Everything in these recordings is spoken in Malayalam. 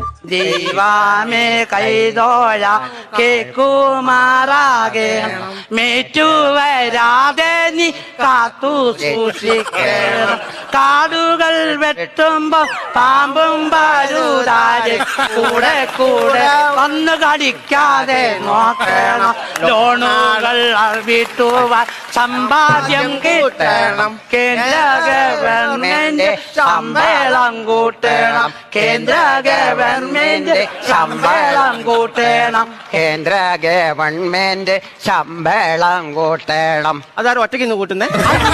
ദൈവമേ കൈതോഴ കേക്കുമാറാകെ മേറ്റുവരാതെ നീ കാത്തു സൂക്ഷിക്കണം. കാടുകൾ വെട്ടുമ്പോ പാമ്പും പരുതാതെ കൂടെ കൂടെ വന്ന് കടിക്കാതെ നോക്കണം. ലോണുകൾ വീട്ടുവാൻ സമ്പാദ്യം കിട്ടണം. കേന്ദ്ര ഗവൺമെന്റ് ശമ്പളം കൂട്ടണം. കേന്ദ്ര ഗവൺമെന്റ് ശമ്പളം കൂട്ടണം. കേന്ദ്ര ഗവൺമെന്റ് ശമ്പളം കൂട്ടണം. അതാരും ഒറ്റയ്ക്ക് ഇന്ന് കൂട്ടുന്നേ?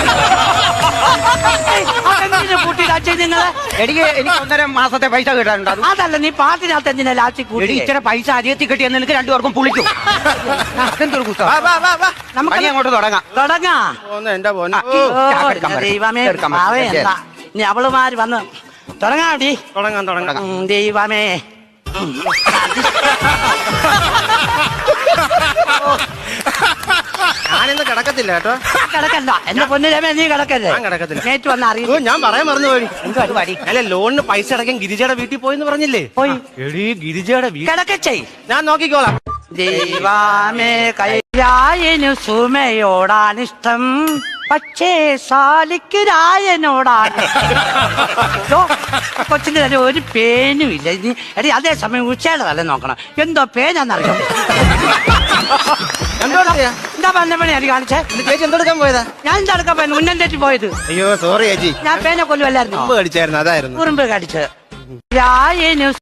കൂട്ടിയിടാച്ചേ നിങ്ങള്? എനിക്ക് 1.5 മാസത്തെ പൈസ കിട്ടാനുണ്ട്. അതല്ല, നീ പാട്ടിനകത്ത് എന്തിനാ ലാച്ചി കൂട്ടി? ഇച്ചിരി പൈസ അധികത്തിൽ കിട്ടിയെന്ന് നിനക്ക് 2 പേർക്കും പുളിക്കും. അതെന്തൊരു കുത്തം. നമുക്ക് അങ്ങോട്ട് തുടങ്ങാം. എന്റെ പോന്നെ. ദൈവമേ പറയണ്ട. ഇനി അവളുമാര് വന്ന് തുടങ്ങാടി. തുടങ്ങാം. ദൈവമേ ഞാനിന്ന് കിടക്കത്തില്ല കേട്ടോ. കിടക്കണ്ട എന്റെ പൊന്നിരമേ, നീ കിടക്കല്ലേ? ഞാൻ കിടക്കത്തില്ല. നേറ്റ് വന്ന് അറിയില്ല. ഞാൻ പറയാൻ മറന്നു പോയി. എന്ത് പരിപാടി? അല്ല, ലോണിന് പൈസ അടയ്ക്കാൻ ഗിരിജയുടെ വീട്ടിൽ പോയെന്ന് പറഞ്ഞില്ലേ? പോയി. എടീ, ഗിരിജയുടെ വീട്ടിൽ കിടക്കച്ചേ. ഞാൻ നോക്കിക്കോളാം. ദൈവമേ കൈരായനു സുമയോടാണിഷ്ടം, പക്ഷേ സാലിക്ക് രായനോടാണ്. കൊച്ചിന്റെ തന്നെ ഒരു പേനും ഇല്ല. എടി അതേസമയം ഉച്ചയുടെ തല നോക്കണം. എന്തോ പേനാന്നറിയാം. എന്താ പന്നപ്പണി അടി കാണിച്ചേ? ചേച്ചി എന്തെടുക്കാൻ പോയതാ? ഞാൻ എന്തെടുക്കാൻ പോയത്? ഉന്നം തെറ്റി പോയത്. അയ്യോ സോറി ചേച്ചി. ഞാൻ പേനെ കൊല്ലുമല്ലായിരുന്നു. കടിച്ചായിരുന്നു, അതായിരുന്നു ഉറുമ്പ് കടിച്ചത്. രായനു